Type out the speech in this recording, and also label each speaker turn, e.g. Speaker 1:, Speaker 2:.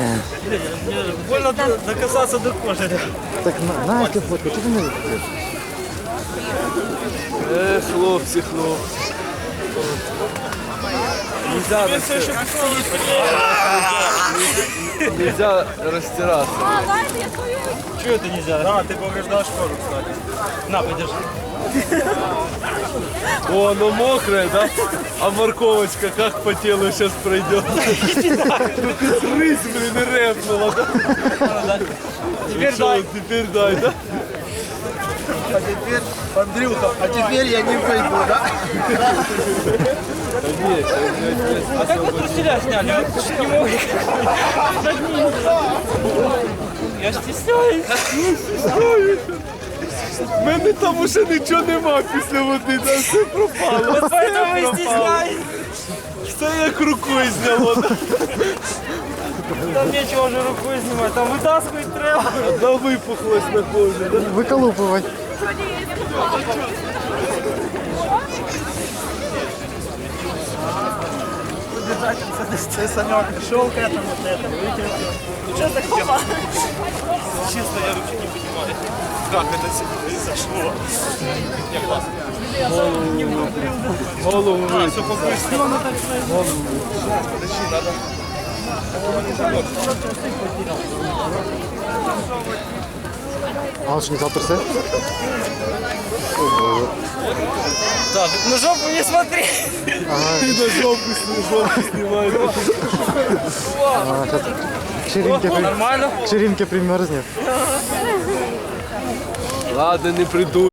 Speaker 1: Больно докасаться до кожи.
Speaker 2: Так Настя фотка, чого ти не заходиш?
Speaker 3: Хлопці. Нельзя растираться.
Speaker 1: Чего это нельзя? Да, ты повреждал шкуру, кстати. На, подержи.
Speaker 3: О, оно мокрое, да? А морковочка как по телу сейчас пройдет? Рысь, блин, и рэпнула, да?
Speaker 1: Теперь дай.
Speaker 3: Теперь дай, да?
Speaker 2: А теперь, Андрюха, а теперь я не пойду, да?
Speaker 1: А как вы труселя сняли? Вы чуть не могли. Я стесняюсь.
Speaker 3: В мене там уже нічого нема після води, там все пропало.
Speaker 1: Вот поэтому и стесняюсь.
Speaker 3: Все як рукою зняло.
Speaker 1: Там нечего уже рукой снимать, там вытаскивать треба.
Speaker 3: Да випухлось на кожі. Да?
Speaker 2: Виколупувати.
Speaker 1: Ты, Санек, шел к этому, вытянул. Что такого? Честно, я вообще не понимаю, как это произошло. Не, классно.
Speaker 3: Голову
Speaker 1: А, все попустило.
Speaker 3: Подожди, надо.
Speaker 2: А он ж не завтра все?
Speaker 1: Так, на жопу не смотри.
Speaker 3: Ты на жопу снимаешь.
Speaker 2: А, сейчас
Speaker 1: Нормально.
Speaker 2: к ширинке примерзнет.
Speaker 3: Ладно, не приду.